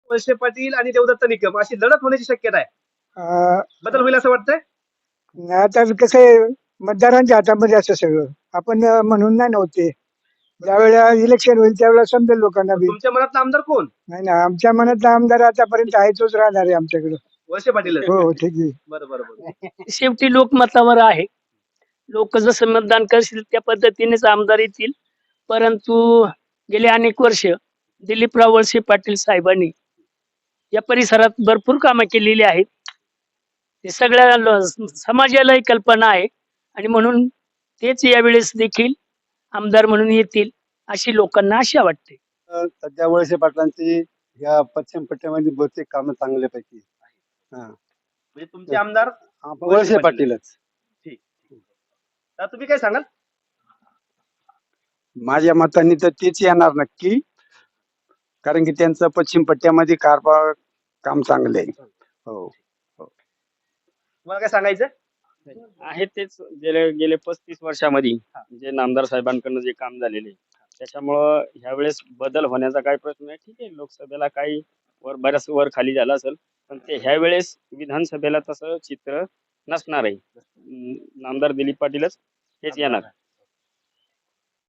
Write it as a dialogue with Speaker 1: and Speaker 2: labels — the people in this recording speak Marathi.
Speaker 1: वळसे पाटील आणि देवदत्त निकम अशी लढत होण्याची शक्यता आहे.
Speaker 2: अं,
Speaker 1: बदल होईल असं वाटतंय?
Speaker 2: आता कसं आहे, मतदारांच्या हातामध्ये असं सगळं आपण म्हणून नाही नव्हते. ज्यावेळेला इलेक्शन होईल त्यावेळेला समजेल लोकांना बी.
Speaker 1: तुमच्या मनातला आमदार कोण?
Speaker 2: नाही ना, आमच्या मनातला आमदार आतापर्यंत आहे तोच राहणार आहे आमच्याकडे.
Speaker 1: वळसे पाटील.
Speaker 2: हो ठीक आहे.
Speaker 1: बरं बरं बरं.
Speaker 3: शेवटी लोकमतावर आहे. लोक जसं मतदान करतील त्या पद्धतीनेच आमदार येतील. परंतु गेले अनेक वर्ष दिलीपराव वळसे पाटील साहेबांनी या परिसरात भरपूर कामं केलेली आहेत. ते सगळ्या समाजालाही कल्पना आहे आणि म्हणून तेच यावेळेस देखील आमदार म्हणून येतील अशी लोकांना आशा वाटते.
Speaker 4: सध्या वळसे पाटलांची या पश्चिम पट्ट्यामध्ये बहुतेक कामं चांगल्यापैकी हा
Speaker 1: म्हणजे तुमचे आमदार
Speaker 4: वळसे पाटीलच.
Speaker 1: तर तुम्ही काय सांगाल?
Speaker 4: माझ्या मताने तर तेच येणार नक्की, कारण की त्यांचं पश्चिम पट्ट्यामध्ये कारभार काम चांगले आहे. हो
Speaker 1: तुम्हाला काय सांगायचं?
Speaker 5: आहे तेच गेले 35 वर्षामध्ये जे नामदार साहेबांकडनं जे काम झालेले आहे, त्याच्यामुळं ह्यावेळेस बदल होण्याचा काही प्रश्न नाही. ठीक आहे, लोकसभेला काही बऱ्याच वर खाली झालं असेल, पण ते ह्यावेळेस विधानसभेला तसं चित्र नसणार आहे. नामदार दिलीप पाटीलच हेच येणार.